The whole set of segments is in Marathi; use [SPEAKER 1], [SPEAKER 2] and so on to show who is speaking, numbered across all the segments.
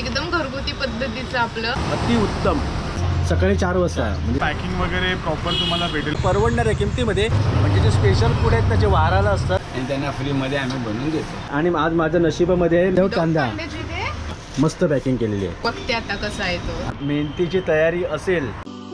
[SPEAKER 1] एकदम घरगुती पद्धतीचं आपलं
[SPEAKER 2] अति उत्तम. सकाळी 4 वाजता म्हणजे
[SPEAKER 3] पॅकिंग वगैरे प्रॉपर तुम्हाला भेटेल.
[SPEAKER 2] परवडणाऱ्या किमतीमध्ये. म्हणजे जे स्पेशल फूड आहेत ना जे वाराला असतात
[SPEAKER 4] आणि त्यांना फ्रीमध्ये आम्ही बनवून देतो.
[SPEAKER 2] आणि आज माझ्या नशिबामध्ये आहे कांदा
[SPEAKER 1] कांद्याची ते
[SPEAKER 2] मस्त पॅकिंग केलेली आहे.
[SPEAKER 1] बघते आता कसा आहे तो.
[SPEAKER 2] मेहनतीची तयारी असेल.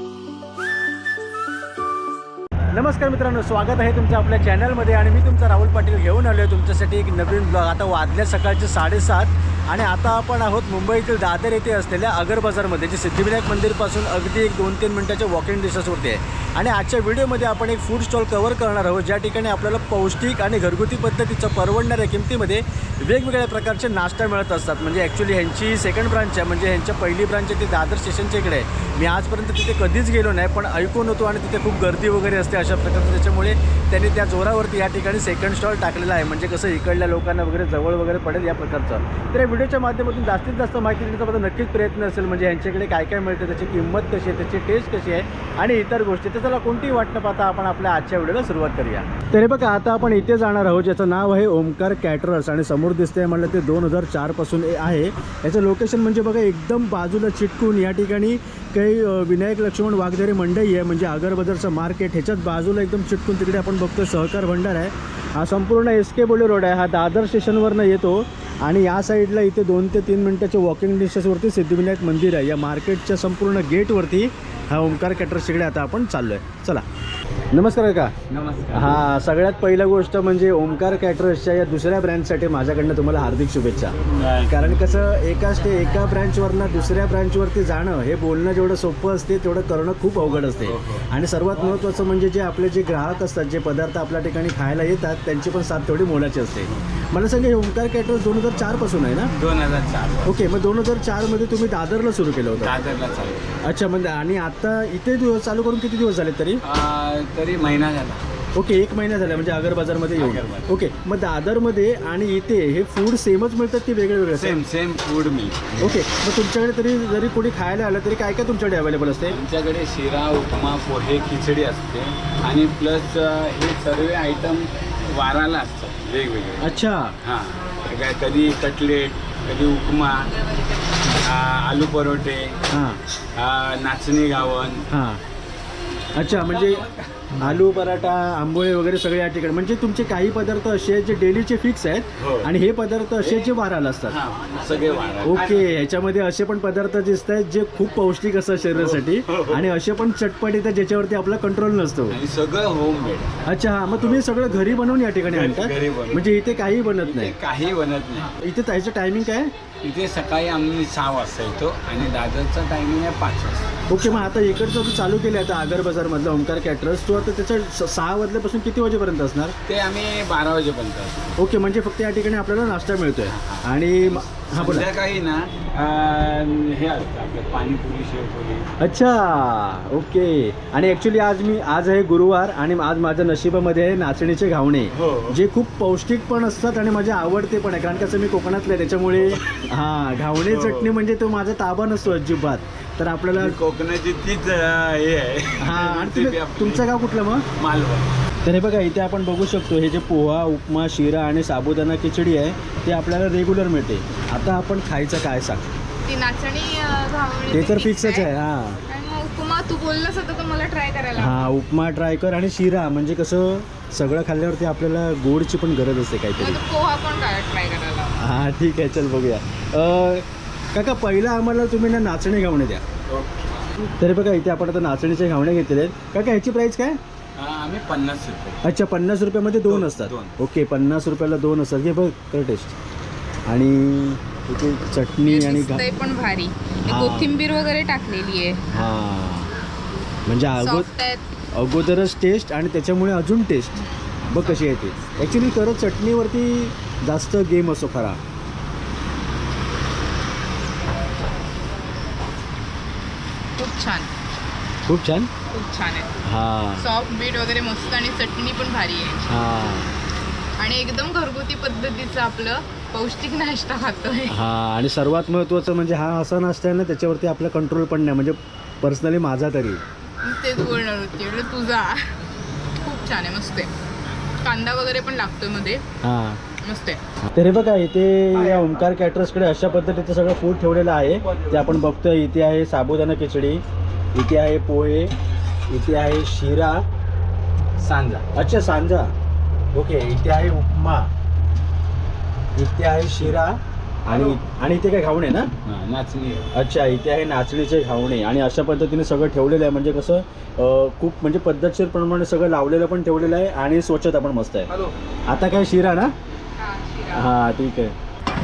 [SPEAKER 2] नमस्कार मित्रांनो, स्वागत आहे तुमचं आपल्या चॅनलमध्ये. आणि मी तुमचा राहुल पाटील घेऊन आलो आहे तुमच्यासाठी एक नवीन ब्लॉग. आता वाजल्या सकाळचे 7:30 आणि आता आपण आहोत मुंबईतील दादर येथे असलेल्या अगर बाजारमध्ये, जे सिद्धिविनायक मंदिरपासून अगदी 2-3 मिनिटाच्या वॉकिंग डिस्टन्सवरती आहे. आणि आजच्या व्हिडिओमध्ये आपण एक फूड स्टॉल कव्हर करणार आहोत, ज्या ठिकाणी आपल्याला पौष्टिक आणि घरगुती पद्धतीचं परवडणाऱ्या किमतीमध्ये वेगवेगळ्या प्रकारचे नाश्ता मिळत असतात. म्हणजे ॲक्च्युली ह्यांची सेकंड ब्रांच आहे, म्हणजे ह्यांच्या पहिली ब्रांच आहे ती दादर स्टेशनच्या इकडे आहे. मी आजपर्यंत तिथे कधीच गेलो नाही, पण ऐकून होतो आणि तिथे खूप गर्दी वगैरे असते अशा प्रकारचं. त्याच्यामुळे त्यांनी त्या जोरावरती या ठिकाणी सेकंड स्टॉल टाकलेला आहे, म्हणजे कसं इकडल्या लोकांना वगैरे जवळ वगैरे पडेल या प्रकारचं. तर या व्हिडिओच्या माध्यमातून जास्तीत जास्त माहिती देण्याचा माझा नक्कीच प्रयत्न असेल. म्हणजे ह्यांच्याकडे काय काय मिळते, त्याची किंमत कशी आहे, त्याची टेस्ट कशी आहे आणि इतर गोष्टी. तर चला कोणतीही वाट न पाहता आपण आपल्या आजच्या व्हिडिओला सुरुवात करूया. तर हे बघा, आता आपण इथे जाणार आहोत, ज्याचं नाव आहे ओमकार कॅटरर्स. आणि समोर दिसतंय म्हणलं ते 2004 पासून आहे. याचं लोकेशन म्हणजे बघा एकदम बाजूला चिटकून या ठिकाणी काही विनायक लक्ष्मण वाघदेरे मंडई आहे, म्हणजे आगर बाजारचं मार्केट. ह्याच्याच बाजूला एकदम चिटकून तिकडे आपण बघतो सहकार भंडार आहे. हा संपूर्ण SK बोले रोड आहे. हा दादर स्टेशनवरनं येतो आणि या साईडला इथे 2 ते 3 मिनिटाच्या वॉकिंग डिस्टन्सवरती सिद्धिविनायक मंदिर आहे. या मार्केटच्या संपूर्ण गेटवरती हा ओमकार कॅटरर्स इकडे आता आपण चाललो आहे. चला, नमस्कार काका.
[SPEAKER 4] नमस्कार.
[SPEAKER 2] हां, सगळ्यात पहिला गोष्ट म्हणजे ओमकार कॅटरर्सच्या या दुसऱ्या ब्रँचसाठी माझ्याकडनं तुम्हाला हार्दिक शुभेच्छा. कारण कसं एका ब्रँचवरनं दुसऱ्या ब्रँचवरती जाणं हे बोलणं जेवढं सोपं असते तेवढं करणं खूप अवघड असते. आणि सर्वात महत्त्वाचं म्हणजे जे आपले जे ग्राहक असतात, जे पदार्थ आपल्या ठिकाणी खायला येतात, त्यांची पण साथ तेवढी मोलाची असते. मला सांगा, हे ओमकार कॅटरर्स 2004 पासून आहे ना?
[SPEAKER 4] 2004.
[SPEAKER 2] ओके, मग 2004 तुम्ही दादरला सुरू केलं होतं?
[SPEAKER 4] दादरला चालू.
[SPEAKER 2] अच्छा, म्हणजे आणि आता इथे चालू करून किती दिवस झाले तरी?
[SPEAKER 4] तरी महिना झाला.
[SPEAKER 2] ओके, 1 महिना झाला म्हणजे अगर बाजारमध्ये येऊन.
[SPEAKER 4] अगरबाजार.
[SPEAKER 2] ओके, मग दादरमध्ये आणि इथे हे फूड सेमच मिळतात की वेगळे वेगळे?
[SPEAKER 4] सेम फूड मिळते.
[SPEAKER 2] ओके, मग तुमच्याकडे तरी जरी कोणी खायला आलं तरी काय काय तुमच्याकडे अवेलेबल असते?
[SPEAKER 4] आमच्याकडे शिरा, उपमा, पोहे, खिचडी असते आणि प्लस हे सर्व आयटम वाराला असतात वेगवेगळे.
[SPEAKER 2] अच्छा.
[SPEAKER 4] हां, कधी कटलेट, कधी उपमा, आलू परोठे,
[SPEAKER 2] हां
[SPEAKER 4] नाचणी गावण.
[SPEAKER 2] हां. अच्छा, म्हणजे आलू पराठा, आंबोळे वगैरे सगळे या ठिकाणी. म्हणजे तुमचे काही पदार्थ असे आहेत जे डेलीचे फिक्स आहेत.
[SPEAKER 4] हो.
[SPEAKER 2] आणि हे पदार्थ असे आहेत जे वाराला असतात.
[SPEAKER 4] हां, सगळे वारा.
[SPEAKER 2] ओके, ह्याच्यामध्ये असे पण पदार्थ दिसत आहेत जे खूप पौष्टिक असतात शरीरासाठी. आणि असे पण चटपटीत आहेत ज्याच्यावरती आपला कंट्रोल नसतो.
[SPEAKER 4] आणि सगळं होममेड.
[SPEAKER 2] अच्छा, हां. मग तुम्ही सगळं घरी बनवून या ठिकाणी आणता?
[SPEAKER 4] घरी बनवून.
[SPEAKER 2] म्हणजे इथे काही बनत नाही?
[SPEAKER 4] काही बनत नाही.
[SPEAKER 2] इथे त्याचं टायमिंग काय?
[SPEAKER 4] इथे सकाळी आम्ही 6 वाजता येतो आणि दादरचा टायमिंग आहे 5 वाजता.
[SPEAKER 2] ओके, मग आता इकडचं तू चालू केलं आता आगर बाजारमधलं ओमकार कॅटरर्स, तू आता त्याचं 6 वाजल्यापासून किती वाजेपर्यंत असणार?
[SPEAKER 4] ते आम्ही 12 वाजेपर्यंत असतो.
[SPEAKER 2] ओके, म्हणजे फक्त या ठिकाणी आपल्याला नाश्ता मिळतोय. आणि हां, बोला.
[SPEAKER 4] संध्याकाळी ना हे असतं आपलं पाणीपुरी, शेवपुरी.
[SPEAKER 2] अच्छा, ओके. आणि ॲक्च्युली आज आहे गुरुवार आणि आज माझ्या नशिबामध्ये आहे नाचणीचे घावणे,
[SPEAKER 4] हो.
[SPEAKER 2] जे खूप पौष्टिक पण असतात आणि माझे आवडते पण आहे. कारण कसं मी कोकणातलं आहे त्याच्यामुळे हां, घावणे चटणी म्हणजे तो माझा ताबा नसतो अजिबात. तर आपल्याला
[SPEAKER 4] कोकणाची तीच हे आहे.
[SPEAKER 2] हां. आणि तुमचं गाव कुठलं मग?
[SPEAKER 4] मालवण.
[SPEAKER 2] तर हे बघा, इथे आपण बघू शकतो हे जे पोहा, उपमा, शिरा आणि साबुदाणा खिचडी आहे ते आपल्याला रेग्युलर मिळते. आता आपण खायचं काय सांग?
[SPEAKER 1] ती नाचणी घावणी
[SPEAKER 2] ते तर
[SPEAKER 1] fix
[SPEAKER 2] फिक्सच आहे.
[SPEAKER 1] आहे.
[SPEAKER 2] हां
[SPEAKER 1] आणि मग उपमा तू बोललास होता तर मला ट्राय करायला
[SPEAKER 2] हां, उपमा ट्राय कर. आणि शिरा म्हणजे कसं सगळं खाल्ल्यावरती आपल्याला गोडची पण गरज असते काहीतरी.
[SPEAKER 1] मग पोहा पण ट्राय करायला.
[SPEAKER 2] हां, ठीक आहे, चल बघूया. काका, पहिला आम्हाला तुम्ही ना नाचणी घावणे द्या. तरी बघा, इथे आपण आता नाचणीचे घावणे घेतलेले आहेत. काका, ह्याची प्राईस काय?
[SPEAKER 4] आम्ही 50 रुपये.
[SPEAKER 2] अच्छा, 50 रुपयामध्ये 2 असतात. ओके, 50 रुपयाला 2 असतात. हे बघ, कर टेस्ट. आणि इथे चटणी आणि
[SPEAKER 1] दिसतंय पण भारी.
[SPEAKER 2] हां.
[SPEAKER 1] कोथिंबीर वगैरे टाकलेली आहे.
[SPEAKER 2] हां, म्हणजे
[SPEAKER 1] सॉफ्ट आहेत.
[SPEAKER 2] अगोदरच टेस्ट आणि त्याच्यामुळे अजून टेस्ट बघ कशी आहे ती. ॲक्च्युली खरंच चटणीवरती जास्त गेम असतो खरा.
[SPEAKER 1] खूप छान,
[SPEAKER 2] खूप छान.
[SPEAKER 1] खूप छान आहे.
[SPEAKER 2] हां
[SPEAKER 1] सॉफ्ट बीट वगैरे मस्त आणि चटणी पण भारी आहे.
[SPEAKER 2] हां
[SPEAKER 1] आणि एकदम घरगुती पद्धतीचं आपलं पौष्टिक नाश्ता खातोय.
[SPEAKER 2] हां. आणि सर्वात महत्त्वाचं म्हणजे हा असा नाश्ता आहे ना त्याच्यावरती आपला कंट्रोल पण नाही, म्हणजे पर्सनली माझा तरी.
[SPEAKER 1] तेच बोलणार होती, तुझा खूप छान आहे, मस्त आहे. कांदा वगैरे पण लागतोय मध्ये.
[SPEAKER 2] हां,
[SPEAKER 1] मस्त आहे.
[SPEAKER 2] तर हे बघा इथे या ओमकार कॅटरर्सकडे अशा पद्धतीचं सगळं फूड ठेवलेलं आहे. ते आपण बघतोय. इथे आहे साबुदाणा खिचडी, इथे आहे पोहे, इथे आहे शिरा,
[SPEAKER 4] सांजा.
[SPEAKER 2] अच्छा सांजा, ओके. इथे आहे उपमा, इथे आहे शिरा आणि इथे काय घावणे ना,
[SPEAKER 4] नाचणी.
[SPEAKER 2] अच्छा इथे आहे नाचणीचे घावणे. आणि अशा पद्धतीने सगळं ठेवलेलं आहे. म्हणजे कसं खूप म्हणजे पद्धतशीर प्रमाणे सगळं लावलेलं पण ठेवलेलं आहे आणि स्वच्छता पण मस्त आहे. आता काय शिरा ना, हां ठीक आहे.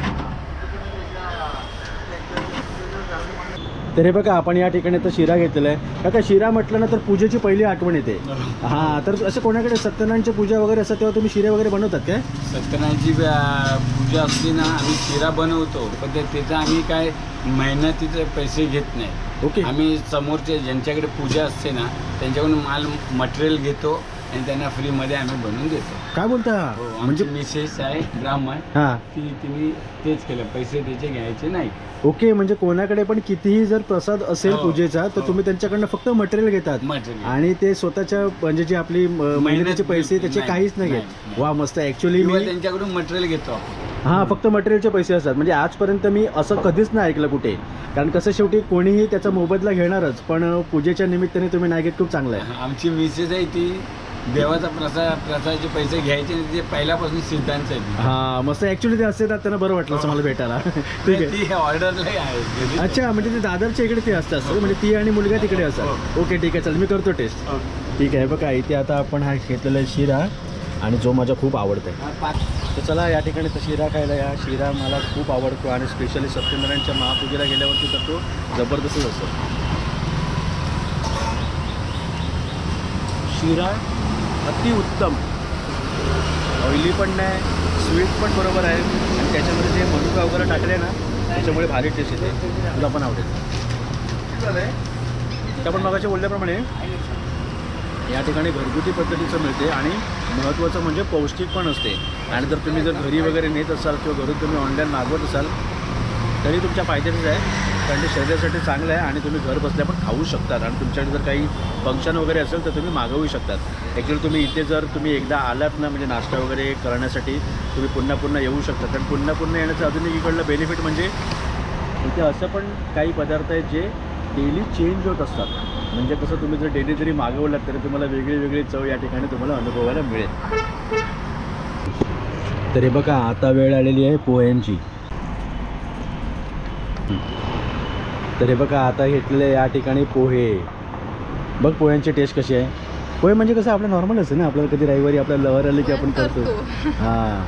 [SPEAKER 2] तर हे बघा आपण या ठिकाणी तर शिरा घेतलेला आहे. का शिरा म्हटलं ना तर पूजेची पहिली आठवण येते. हां तर असं कोणाकडे सत्यनारायणची पूजा वगैरे असतात तेव्हा तुम्ही शिरे वगैरे बनवतात काय?
[SPEAKER 4] सत्यनारायणची पूजा असली ना आम्ही शिरा बनवतो, पण त्याचा आम्ही काय मेहनतीचे पैसे घेत नाही.
[SPEAKER 2] ओके.
[SPEAKER 4] आम्ही समोरचे ज्यांच्याकडे पूजा असते ना त्यांच्याकडून माल मटेरियल घेतो आणि त्यांना फ्रीमध्ये आम्ही बनवून देतो.
[SPEAKER 2] काय बोलता?
[SPEAKER 4] म्हणजे मिसेस आहे ब्राह्मण,
[SPEAKER 2] हां
[SPEAKER 4] तिने तेच केलं, पैसे त्याचे घ्यायचे नाही.
[SPEAKER 2] ओके. म्हणजे कोणाकडे पण कितीही जर प्रसाद असेल
[SPEAKER 4] हो,
[SPEAKER 2] पूजेचा तर
[SPEAKER 4] हो.
[SPEAKER 2] तुम्ही त्यांच्याकडनं फक्त मटेरियल घेतात
[SPEAKER 4] मटेरियल
[SPEAKER 2] आणि ते स्वतःच्या म्हणजे जे आपली मेहनतीचे पैसे त्याचे
[SPEAKER 4] नाही,
[SPEAKER 2] काहीच नाही घेत.
[SPEAKER 4] नाही.
[SPEAKER 2] वा मस्त. ॲक्च्युली
[SPEAKER 4] किंवा
[SPEAKER 2] मी
[SPEAKER 4] त्यांच्याकडून मटेरियल घेतो आपण.
[SPEAKER 2] हां फक्त मटेरियलचे पैसे असतात. म्हणजे आजपर्यंत मी असं कधीच नाही ऐकलं कुठे. कारण कसं शेवटी कोणीही त्याचा मोबदला घेणारच, पण पूजेच्या निमित्ताने तुम्ही नाही घेत, खूप चांगलं आहे.
[SPEAKER 4] आमची मिसेस आहे ती देवाचा प्रसादाचे पैसे घ्यायचे नाही, ते पहिल्यापासून सिद्धांत आहे.
[SPEAKER 2] हां मस्त. ॲक्च्युली ते असते ना त्यांना बरं वाटलं असं मला भेटायला. ठीक आहे.
[SPEAKER 4] ती ऑर्डरला आहे.
[SPEAKER 2] अच्छा म्हणजे ते दादरच्या इकडे ते असतात म्हणजे ती आणि मुलगा तिकडे असतात. ओके ठीक आहे. चल मी करतो टेस्ट. ठीक आहे. बघा इथे आता आपण हा घेतलेला आहे शिरा आणि जो माझा खूप आवडतो आहे. तर चला या ठिकाणी तर शिरा खायला या. शिरा मला खूप आवडतो आणि स्पेशली सत्यनारायणच्या महापूजेला गेल्यावरती तर तो जबरदस्तच असतो. शिरा अतिउत्तम, ऑइली पण नाही, स्वीट पण बरोबर आहे आणि त्याच्यामध्ये जे मनुका वगैरे टाकले ना त्याच्यामुळे भारी टेस्ट येते. तुला पण आवडेल. तर आपण मगाशी बोलल्याप्रमाणे या ठिकाणी घरगुती पद्धतीचं मिळते आणि महत्त्वाचं म्हणजे पौष्टिक पण असते. आणि जर तुम्ही जर घरी वगैरे नेत असाल किंवा घरून तुम्ही ऑनलाईन मागवत असाल तरी तुमच्या फायद्याचंच आहे, कारण ते शरीरासाठी चांगलं आहे आणि तुम्ही घर बसल्या पण खाऊ शकतात. आणि तुमच्याकडे जर काही फंक्शन वगैरे असेल तर तुम्ही मागवू शकतात. ॲक्च्युली तुम्ही इथे जर तुम्ही एकदा आलात ना म्हणजे नाश्ता वगैरे करण्यासाठी तुम्ही पुन्हा पुन्हा येऊ शकता. कारण पुन्हा येण्याचं अजून एक इकडलं बेनिफिट म्हणजे इथे असं पण काही पदार्थ आहेत जे डेली चेंज होत असतात. म्हणजे कसं तुम्ही जर डेली जरी मागवलात तरी तुम्हाला वेगळी चव या ठिकाणी तुम्हाला अनुभवायला मिळेल. तर हे बघा आता वेळ आलेली आहे पोह्यांची. तर हे बघा आता घेतलेले या ठिकाणी पोहे. बघ पोह्यांची टेस्ट कशी आहे. पोहे म्हणजे कसं आपलं नॉर्मलच आहे ना, आपल्याला कधी रविवारी आपल्याला लहर आली की आपण करतो. हां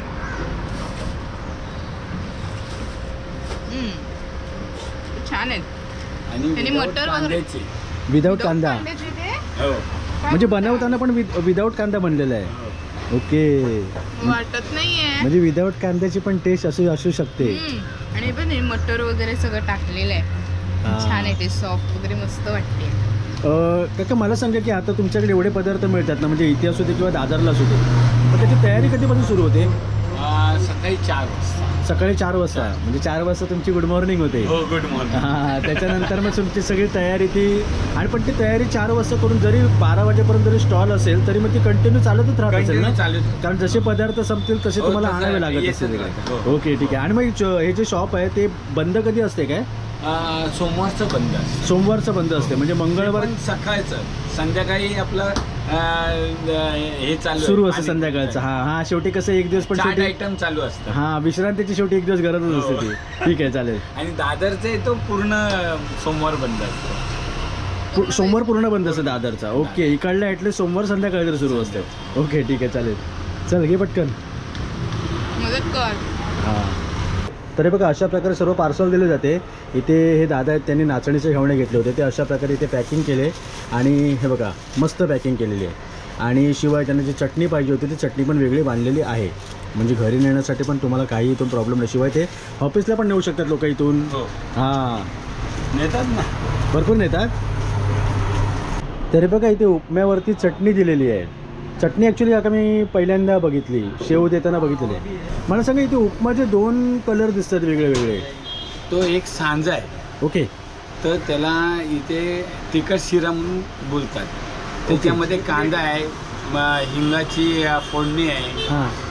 [SPEAKER 1] छान आहेत.
[SPEAKER 4] आणि
[SPEAKER 1] आणि
[SPEAKER 4] without
[SPEAKER 1] मटर वगैरे?
[SPEAKER 4] कांद्याचे.
[SPEAKER 2] विदाऊट कांदा
[SPEAKER 1] कांद्याचे ते
[SPEAKER 4] हो.
[SPEAKER 2] म्हणजे बनवताना पण विदाऊट कांदा बनलेला आहे. ओके.
[SPEAKER 1] वाटत नाहीये.
[SPEAKER 2] म्हणजे विदाऊट कांद्याची पण टेस्ट असू शकते.
[SPEAKER 1] आणि पण हे मटर वगैरे सगळं टाकलेलं आहे.
[SPEAKER 2] हा.
[SPEAKER 1] छान आहे ते, सॉफ्ट वगैरे मस्त वाटते.
[SPEAKER 2] काका मला सांगा की आता तुमच्याकडे एवढे पदार्थ मिळतात ना, म्हणजे इथे असू दे किंवा दादरला असू दे, मग त्याची तयारी कधीपासून सुरू होते?
[SPEAKER 4] सकाळी 4 वाजता.
[SPEAKER 2] सकाळी 4 वाजता. म्हणजे 4 वाजता तुमची गुड मॉर्निंग होते.
[SPEAKER 4] हो, गुड मॉर्निंग.
[SPEAKER 2] हां त्याच्यानंतर मग तुमची सगळी तयारी ती. आणि पण ती तयारी 4 वाजता करून जरी 12 वाजेपर्यंत जरी स्टॉल असेल तरी मग ती कंटिन्यू चालतच राहत असेल ना, कारण जसे पदार्थ संपतील तसे
[SPEAKER 4] हो,
[SPEAKER 2] तुम्हाला
[SPEAKER 4] तसं
[SPEAKER 2] आणावे लागत
[SPEAKER 4] येतच
[SPEAKER 2] असतील.
[SPEAKER 4] राहतं. हो.
[SPEAKER 2] ओके ठीक आहे. आणि मग हे जे शॉप आहे ते बंद कधी असते काय?
[SPEAKER 4] सोमवारचं बंद असतं.
[SPEAKER 2] सोमवारचं बंद असते. म्हणजे मंगळवार
[SPEAKER 4] पण सकाळचं, संध्याकाळी आपलं हे चालू
[SPEAKER 2] सुरू असतं संध्याकाळचं. हां शेवटी कसं एक दिवस पण शेवटी
[SPEAKER 4] आयटम चालू असतं.
[SPEAKER 2] हां विश्रांतीची शेवटी एक दिवस गरजच असते ती. ठीक आहे चालेल.
[SPEAKER 4] आणि दादरचे तो पूर्ण सोमवार बंद असतो.
[SPEAKER 2] सोमवार पूर्ण बंद असतं दादरचा. ओके. इकडल्या ॲटलीस्ट सोमवार संध्याकाळी तर सुरू असते. ओके ठीक आहे चालेल. चल घे पटकन.
[SPEAKER 1] मदत कर.
[SPEAKER 2] हां तर हे बघा अशा प्रकारे सर्व पार्सल दिले जाते. इथे हे दादा आहेत त्यांनी नाचणीचे घावणे घेतले होते, ते अशा प्रकारे इथे पॅकिंग केले आणि हे बघा मस्त पॅकिंग केलेली आहे. आणि शिवाय त्यांना जी चटणी पाहिजे होती ती चटणी पण वेगळी बांधलेली आहे. म्हणजे घरी नेण्यासाठी पण तुम्हाला काही इथून प्रॉब्लेम नाही. शिवाय ते ऑफिसला पण नेऊ शकतात लोक इथून. हां
[SPEAKER 4] नेतात ना,
[SPEAKER 2] भरपूर नेतात. तरी बघा इथे उपम्यावरती चटणी दिलेली आहे. चटणी ॲक्च्युली आता मी पहिल्यांदा बघितली, शेव देताना बघितलेली आहे. मला सांगा इथे उपमाचे 2 कलर दिसतात वेगळे वेगळे.
[SPEAKER 4] तो एक सांजा आहे.
[SPEAKER 2] ओके.
[SPEAKER 4] तर त्याला इथे तिखट शिरा म्हणून बोलतात. त्याच्यामध्ये कांदा आहे, हिंगाची फोडणी आहे,
[SPEAKER 2] हां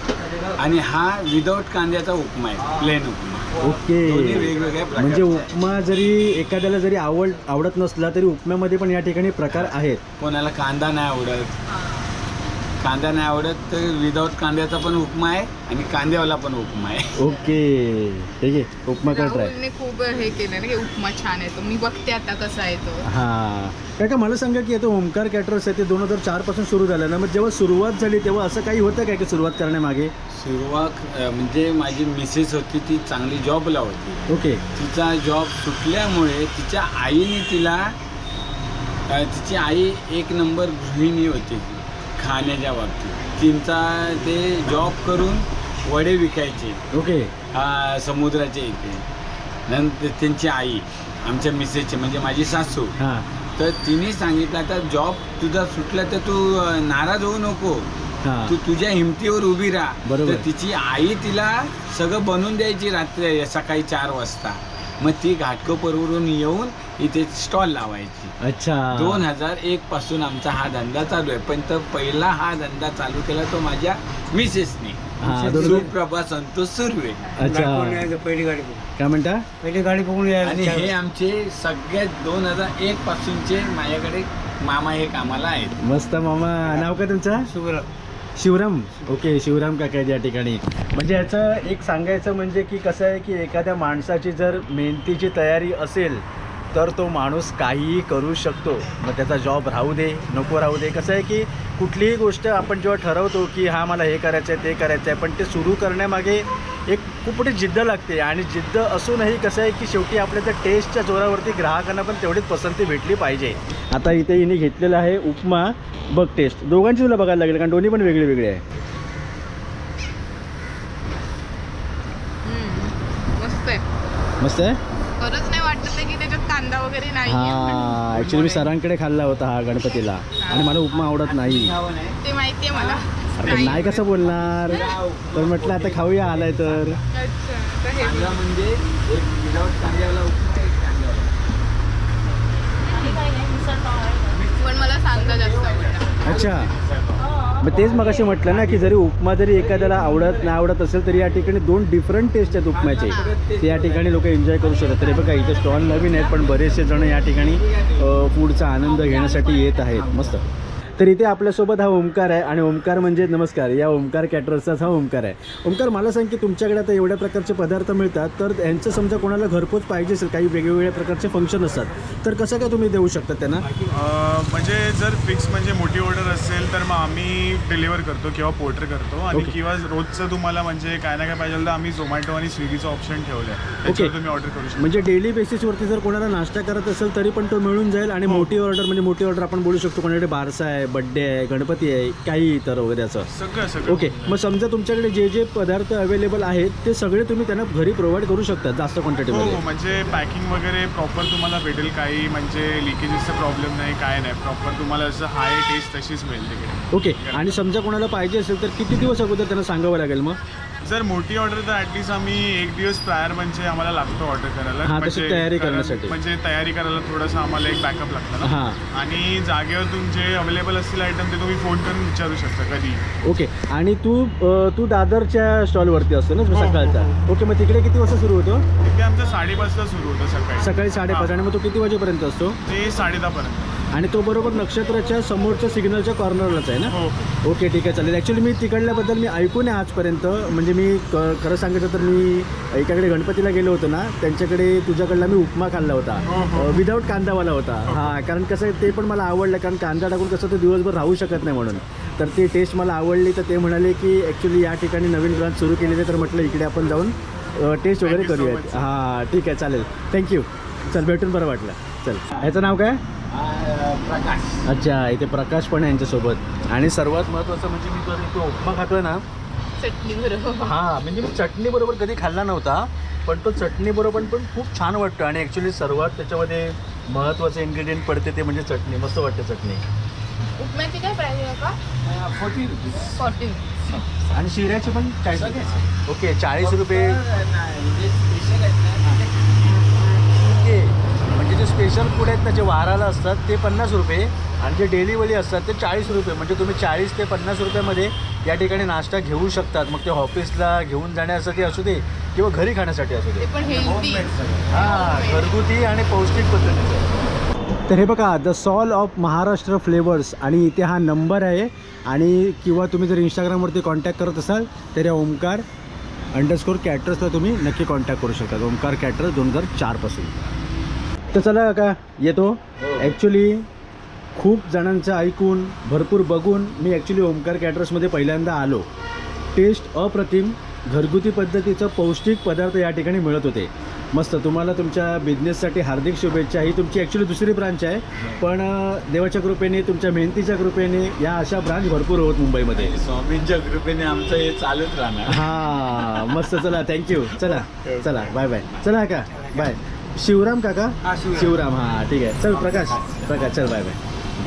[SPEAKER 4] आणि हा विदाऊट कांद्याचा उपमा आहे, प्लेन उपमा.
[SPEAKER 2] ओके.
[SPEAKER 4] दोन्ही वेगवेगळ्या प्रकारचे
[SPEAKER 2] म्हणजे
[SPEAKER 4] आहेत.
[SPEAKER 2] उपमा जरी एखाद्याला जरी आवडत नसला तरी उपम्यामध्ये पण या ठिकाणी प्रकार आहेत.
[SPEAKER 4] कोणाला कांदा नाही आवडत, कांदा नाही आवडत तर विदाऊट कांद्याचा पण उपमा आहे आणि कांद्यावाला पण उपमा आहे.
[SPEAKER 2] ओके ठीक आहे, उपमा कर ट्राय.
[SPEAKER 1] राहुलने खूप हे केलं ना की उपमा छान आहे तो. मी बघते आता कसा आहे तो.
[SPEAKER 2] हां काका मला सांगा की आता ओमकार कॅटरर्स आहे ते 2004 पासून सुरू झालं ना, मग जेव्हा सुरुवात झाली तेव्हा असं काही होतं काय की सुरुवात करण्यामागे?
[SPEAKER 4] सुरुवात म्हणजे माझी मिसेस होती, ती चांगली जॉबला होती.
[SPEAKER 2] ओके.
[SPEAKER 4] तिचा जॉब सुटल्यामुळे तिच्या आईने तिला तिची आई एक नंबर गृहिणी होती खाण्याच्या बाबतीत. तिचा ते जॉब करून वडे विकायचे
[SPEAKER 2] ओके.
[SPEAKER 4] समुद्राचे इथे. नंतर त्यांची आई आमच्या मिसेसची म्हणजे माझी सासू,
[SPEAKER 2] हां
[SPEAKER 4] तर तिने सांगितलं आता जॉब तुझा सुटला तर तू नाराज होऊ नको,
[SPEAKER 2] हां
[SPEAKER 4] तू तुझ्या हिमतीवर उभी राहा.
[SPEAKER 2] बरोबर.
[SPEAKER 4] तर तिची आई तिला सगळं बनवून द्यायची रात्री सकाळी 4 वाजता. मग ती घाटकोपरवरून येऊन इथे स्टॉल लावायची.
[SPEAKER 2] अच्छा.
[SPEAKER 4] 2001 पासून आमचा हा धंदा चालू आहे. पण तर पहिला हा धंदा चालू केला तो माझ्या मिसेसने,
[SPEAKER 2] हा, बरोबर.
[SPEAKER 4] सुप्रभा संतोष सुर्वे.
[SPEAKER 2] अच्छा.
[SPEAKER 5] पहिली गाडी
[SPEAKER 2] काय म्हणता?
[SPEAKER 5] पहिली गाडी बघून
[SPEAKER 4] आणि हे आमचे सगळ्यात 2001 पासूनचे माझ्याकडे मामा हे कामाला आहेत.
[SPEAKER 2] मस्त मामा. नाव काय तुमचं? शिवराम. ओके, शिवराम काका आहेत या ठिकाणी. म्हणजे याचं एक सांगायचं म्हणजे की कसं आहे की एखाद्या माणसाची जर मेहनतीची तयारी असेल तर तो माणूस काहीही करू शकतो. मग त्याचा जॉब राहू दे नको राहू दे. कसं आहे की कुठलीही गोष्ट आपण जेव्हा ठरवतो की हा मला हे करायचं आहे ते करायचं आहे, पण ते सुरू करण्यामागे एक खूप मोठी जिद्द लागते. आणि जिद्द असूनही कसं आहे की शेवटी आपल्या त्या टेस्टच्या जोरावरती ग्राहकांना पण तेवढीच पसंती भेटली पाहिजे. आता इथे हिने घेतलेला आहे उपमा. बघ टेस्ट दोघांची तुला बघायला लागेल कारण दोन्ही पण वेगळे वेगळे आहे.
[SPEAKER 1] मस्त आहे.
[SPEAKER 2] मस्त आहे.
[SPEAKER 1] खरंच नाही वाटत आहे की त्याच्यात कांदा वगैरे नाही.
[SPEAKER 2] हां ॲक्च्युली मी सरांकडे खाल्ला होता हा गणपतीला आणि मला उपमा आवडत नाही.
[SPEAKER 1] ते माहितीये मला.
[SPEAKER 2] अरे नाही कसं बोलणार, तर म्हटलं आता खाऊया आलाय तर.
[SPEAKER 1] अच्छा तर हे
[SPEAKER 4] कांदा म्हणजे एक विदाऊट कांद्यावाला उपमा, एक कांद्यावाला.
[SPEAKER 1] पण मला कांदा जास्त आवडला.
[SPEAKER 2] अच्छा. मग तेच मग असे म्हटलं ना की जरी उपमा जरी एखाद्याला आवडत नाही आवडत असेल तरी या ठिकाणी 2 डिफरंट टेस्ट आहेत उपम्याचे. ते या ठिकाणी लोक एन्जॉय करू शकतात. तरी बघा इथे स्टॉल नवीन आहेत पण बरेचसे जण या ठिकाणी फूडचा आनंद घेण्यासाठी येत आहेत. मस्त. तर इथे आपल्यासोबत हा ओमकार आहे आणि ओमकार म्हणजे नमस्कार या ओमकार कॅटरर्सचाच हा ओमकार आहे. ओमकार मला सांग की तुमच्याकडे आता एवढ्या प्रकारचे पदार्थ मिळतात तर यांचं समजा कोणाला घरपोच पाहिजे असेल, काही वेगवेगळ्या प्रकारचे फंक्शन असतात तर कसं काय तुम्ही देऊ शकता त्यांना?
[SPEAKER 3] म्हणजे जर फिक्स म्हणजे मोठी ऑर्डर असेल तर मग आम्ही डिलिव्हर करतो किंवा पोर्टर करतो. आणि
[SPEAKER 2] Okay.
[SPEAKER 3] किंवा रोजचं तुम्हाला म्हणजे काय ना काय पाहिजे तर आम्ही झोमॅटो आणि स्विगीचं ऑप्शन ठेवलं आहे, त्याच्यावर तुम्ही ऑर्डर करू शकता.
[SPEAKER 2] म्हणजे डेली बेसिसवरती जर कोणाला नाश्ता करत असेल तरी पण तो मिळून जाईल. आणि मोठी ऑर्डर म्हणजे मोठी ऑर्डर आपण बोलू शकतो कोणाकडे बारसा आहे, बड्डे आहे, गणपती आहे, काही इतर वगैरे असं.
[SPEAKER 3] सगळं.
[SPEAKER 2] ओके. मग समजा तुमच्याकडे जे जे पदार्थ अवेलेबल आहेत ते सगळे तुम्ही त्यांना घरी प्रोव्हाइड करू शकता जास्त क्वांटिटीमध्ये?
[SPEAKER 3] हो, म्हणजे पॅकिंग वगैरे प्रॉपर तुम्हाला भेटेल. काही म्हणजे लिकेजेसचा प्रॉब्लेम नाही, काय नाही. प्रॉपर तुम्हाला असं हाय टेस्ट तशीच मिळेल तिकडे.
[SPEAKER 2] ओके. आणि समजा कोणाला पाहिजे असेल तर किती दिवस अगोदर त्यांना सांगावं लागेल मग?
[SPEAKER 3] जर मोठी ऑर्डर तर ॲटलिस्ट आम्ही 1 दिवस प्रायर म्हणजे आम्हाला लागतो ऑर्डर करायला.
[SPEAKER 2] हां, तशी तयारी करण्यासाठी.
[SPEAKER 3] म्हणजे तयारी करायला थोडंसं आम्हाला एक बॅकअप लागतं ना.
[SPEAKER 2] हां.
[SPEAKER 3] आणि जागेवर तुमचे अवेलेबल असतील आयटम ते तुम्ही फोन करून विचारू शकता कधी.
[SPEAKER 2] ओके. आणि तू दादरच्या स्टॉलवरती असतो ना
[SPEAKER 3] हो,
[SPEAKER 2] सकाळचा?
[SPEAKER 3] हो.
[SPEAKER 2] ओके. मग तिकडे किती वाजता सुरू होतो?
[SPEAKER 3] तिथे आमचं 5:30 सुरू होतं सकाळी.
[SPEAKER 2] सकाळी 5:30. आणि मग तो किती वाजेपर्यंत असतो?
[SPEAKER 3] ते 10:30 पर्यंत.
[SPEAKER 2] आणि तो बरोबर नक्षत्राच्या समोरच्या सिग्नलच्या कॉर्नरलाच आहे ना?
[SPEAKER 3] हो.
[SPEAKER 2] ओके ठीक आहे चालेल. ॲक्च्युली मी तिकडल्याबद्दल मी ऐकून आहे आजपर्यंत. म्हणजे मी खरं सांगायचं तर मी एकाकडे गणपतीला गेलो होतो ना, त्यांच्याकडे तुझ्याकडला मी उपमा खाल्ला होता विदाऊट कांदावाला होता. हां, कारण कसं ते पण मला आवडलं कारण कांदा टाकून कसं ते दिवसभर राहू शकत नाही म्हणून. तर ती टेस्ट मला आवडली. तर ते म्हणाले की ॲक्च्युली या ठिकाणी नवीन ब्रांच सुरू केलेली आहे तर म्हटलं इकडे आपण जाऊन टेस्ट वगैरे करूयात. हां ठीक आहे चालेल. थँक्यू. चल भेटून बरं वाटलं. चल. ह्याचं नाव काय?
[SPEAKER 4] प्रकाश.
[SPEAKER 2] अच्छा. इथे प्रकाश पण आहे यांच्यासोबत. आणि सर्वात महत्त्वाचं म्हणजे मी तो उपमा खातोय ना,
[SPEAKER 1] चटणी बरोबर.
[SPEAKER 2] हां म्हणजे मी चटणी बरोबर कधी खाल्ला नव्हता पण तो चटणी बरोबर पण खूप छान वाटतं. आणि ॲक्च्युली सर्वात त्याच्यामध्ये महत्त्वाचं इन्ग्रेडियंट पडते ते म्हणजे चटणी. मस्त वाटते चटणी.
[SPEAKER 1] उपम्याची काय प्राईस आहे का?
[SPEAKER 4] 40 रुपीज.
[SPEAKER 1] 40.
[SPEAKER 2] आणि शिऱ्याचे पण 40. ओके. 40 रुपये.
[SPEAKER 4] म्हणजे स्पेशल आहेत ना.
[SPEAKER 2] ओके. म्हणजे जे स्पेशल स्पेशल फूड आहेत ना जे वाराला असतात ते 50 रुपये आणि जे डेलीवाली असतात ते 40 रुपये. म्हणजे तुम्ही 40 ते 50 रुपयामध्ये या ठिकाणी नाश्ता घेऊ शकतात. मग ते ऑफिसला घेऊन जाण्यासाठी असू दे किंवा घरी खाण्यासाठी असू
[SPEAKER 1] ते
[SPEAKER 2] दे.
[SPEAKER 1] पण हेल्दी.
[SPEAKER 2] हां, घरगुती आणि पौष्टिक पद्धतीचं. तर हे बघा the soul of Maharashtra flavours आणि इथे हा नंबर आहे. आणि किंवा तुम्ही जर इंस्टाग्रामवरती कॉन्टॅक्ट करत असाल तर या ओमकार _कॅटरर्सला तुम्ही नक्की कॉन्टॅक्ट करू शकता. ओमकार कॅटरर्स 2004 पासून. तर चला का येतो. ॲक्च्युली खूप जणांचं ऐकून भरपूर बघून मी ॲक्च्युली ओमकार कॅटरर्समध्ये पहिल्यांदा आलो. टेस्ट अप्रतिम, घरगुती पद्धतीचं पौष्टिक पदार्थ या ठिकाणी मिळत होते. मस्त. तुम्हाला तुमच्या बिझनेससाठी हार्दिक शुभेच्छा. ही तुमची ॲक्च्युली दुसरी ब्रांच आहे, पण देवाच्या कृपेने तुमच्या मेहनतीच्या कृपेने या अशा ब्रांच भरपूर होत मुंबईमध्ये.
[SPEAKER 4] स्वामींच्या कृपेने आमचं हे चालूच राहणार.
[SPEAKER 2] हां मस्त. चला थँक्यू. चला चला बाय बाय. चला का बाय. शिवराम काका. शिवराम. हां ठीक आहे. चल प्रकाश चल बाय बाय.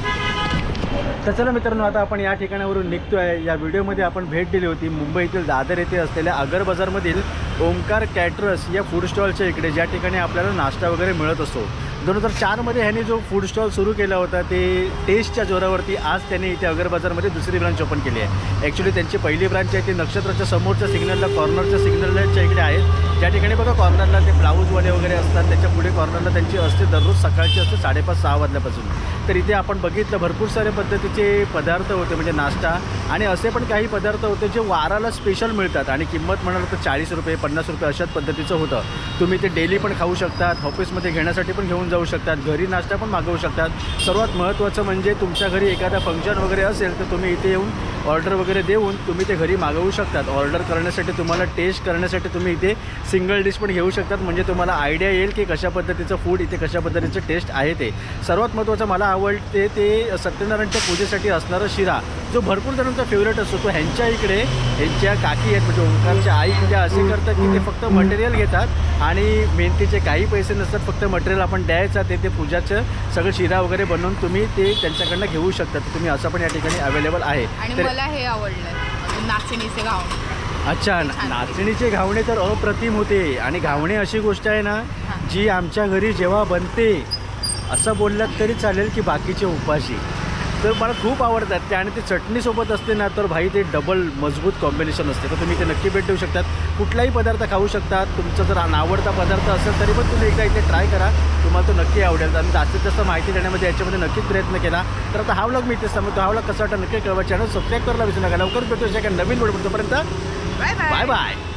[SPEAKER 2] तर चला मित्रांनो, आता आपण या ठिकाणावरून निघतो आहे. या व्हिडिओमध्ये आपण भेट दिली होती मुंबईतील दादर येथे असलेल्या अगर बाजारमधील ओमकार कॅटरर्स या फूड स्टॉलच्या इकडे, ज्या ठिकाणी आपल्याला नाश्ता वगैरे मिळत असतो. 2004मध्ये ह्याने जो फूड स्टॉल सुरू केला होता ते टेस्टच्या जोरावरती आज त्यांनी इथे अगर बाजारमध्ये दुसरी ब्रांच ओपन केली आहे. ॲक्च्युली त्यांची पहिली ब्रांच आहे ती नक्षत्राच्या समोरच्या सिग्नलला, कॉर्नरच्या सिग्नलच्या इकडे आहेत. ज्या ठिकाणी बघा कॉर्नरला ते ब्लाऊजवाले वगैरे असतात, त्याच्या पुढे कॉर्नरला त्यांची असते दररोज सकाळची असते 5:30-6 वाजल्यापासून. तर इथे आपण बघितलं भरपूर सारे पद्धतीचे पदार्थ होते, म्हणजे नाश्ता आणि असे पण काही पदार्थ होते जे वाराला स्पेशल मिळतात. आणि किंमत म्हणाल तर 40 रुपये 50 रुपये अशाच पद्धतीचं होतं. तुम्ही ते डेली पण खाऊ शकतात, ऑफिसमध्ये घेण्यासाठी पण घेऊन जाऊ शकतात, घरी नाश्ता पण मागवू शकतात. सर्वात महत्त्वाचं म्हणजे तुमच्या घरी एखादा फंक्शन वगैरे असेल तर तुम्ही इथे येऊन ऑर्डर वगैरे देऊन तुम्ही ते घरी मागवू शकतात. ऑर्डर करण्यासाठी तुम्हाला टेस्ट करण्यासाठी तुम्ही इथे सिंगल डिश पण घेऊ शकतात. म्हणजे तुम्हाला आयडिया येईल की कशा पद्धतीचं फूड इथे कशा पद्धतीचं टेस्ट आहे ते. सर्वात महत्त्वाचं मला आवडते ते सत्यनारायणच्या पूजेसाठी असणारा शिरा, जो भरपूर जणांचा फेवरेट असतो. तो ह्यांच्या इकडे ह्यांच्या काकी आहेत म्हणजे ओंकारच्या आई, त्या असे करतात की ते फक्त मटेरियल घेतात आणि मेहनतीचे काही पैसे नसतात, फक्त मटेरियल आपण द्यायचं, ते पूजाचं सगळं शिरा वगैरे बनवून तुम्ही ते त्यांच्याकडनं घेऊ शकता. तर तुम्ही असं पण या ठिकाणी अवेलेबल आहे.
[SPEAKER 1] आणि मला हे आवडलं नाचणीचे घावणे.
[SPEAKER 2] अच्छा, नाचणीचे घावणे तर अप्रतिम होते. आणि घावणे अशी गोष्ट आहे ना जी आमच्या घरी जेव्हा बनते असं बोललात तरी चालेल की बाकीचे उपाशी, तर मला खूप आवडतात ते. आणि ते चटणीसोबत असते ना तर भाई ते डबल मजबूत कॉम्बिनेशन असते. तर तुम्ही ते नक्की भेट देऊ शकतात. कुठलाही पदार्थ खाऊ शकतात. तुमचा जर आवडता पदार्थ असेल तरी पण तुम्ही एकदा इथे ट्राय करा, तुम्हाला तो नक्की आवडेल. आणि जास्तीत जास्त माहिती देण्यामध्ये याच्यामध्ये नक्कीच प्रयत्न केला. तर आता हा व्लॉग मी इथेच थांबतो. हा व्लॉग कसा वाटला नक्की कळवा. चॅनल सबस्क्राईब करायला विसरू नका. लवकर भेटू एका नवीन व्हिडिओ. तोपर्यंत
[SPEAKER 1] बाय बाय.
[SPEAKER 2] Bye bye.